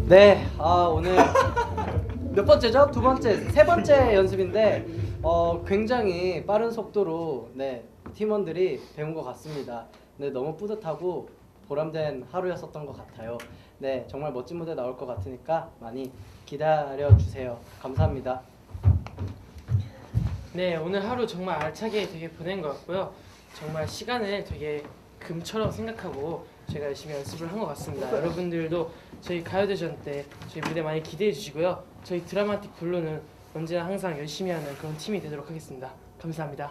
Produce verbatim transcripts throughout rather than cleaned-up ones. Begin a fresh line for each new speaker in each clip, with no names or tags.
네, 아 오늘 몇 번째죠? 두 번째, 세 번째 연습인데 어 굉장히 빠른 속도로 네 팀원들이 배운 것 같습니다. 네, 너무 뿌듯하고 보람된 하루였었던 것 같아요. 네, 정말 멋진 무대 나올 것 같으니까 많이 기다려 주세요. 감사합니다.
네, 오늘 하루 정말 알차게 되게 보낸 것 같고요. 정말 시간을 되게 금처럼 생각하고 제가 열심히 연습을 한 것 같습니다. 여러분들도 저희 가요대전 때 저희 무대 많이 기대해 주시고요. 저희 드라마틱 블루는 언제나 항상 열심히 하는 그런 팀이 되도록 하겠습니다. 감사합니다.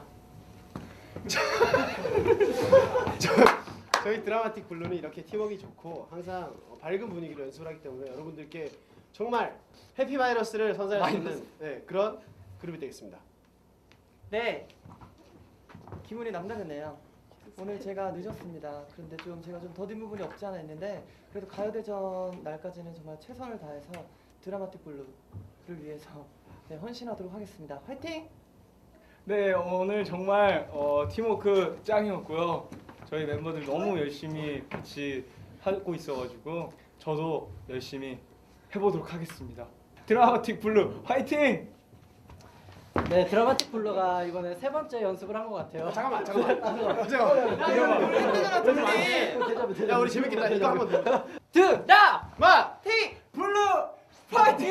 저희 드라마틱 블루는 이렇게 팀워크가 좋고 항상 밝은 분위기로 연습을 하기 때문에 여러분들께 정말 해피 바이러스를 선사할 수 있는 네, 그런 그룹이 되겠습니다.
네, 기분이 남다르네요. 오늘 제가 늦었습니다. 그런데 좀 제가 좀 더딘 부분이 없지 않아 있는데 그래도 가요대전 날까지는 정말 최선을 다해서 드라마틱 블루를 위해서 네, 헌신하도록 하겠습니다. 화이팅!
네, 오늘 정말 어, 팀워크 짱이었고요. 저희 멤버들 너무 열심히 같이 하고 있어가지고 저도 열심히 해보도록 하겠습니다. 드라마틱 블루 화이팅!
네, 드라마틱 블루가 이번에 세 번째 연습을 한 것 같아요.
잠깐만 잠깐만 잠깐만 야 우리 재밌겠다. 이거 한번 더.
드라마틱
블루 파이팅!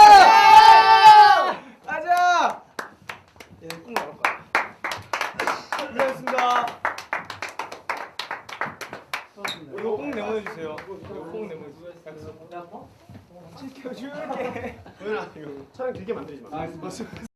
가자!
예, 꼭 나올 거야.
고생하셨습니다. 이거 꼭 내보내주세요. 이거 꼭 내보내주세요. 약속.
야, 뭐?
지켜줄게.
도현아 이거 촬영 길게 만들지 마.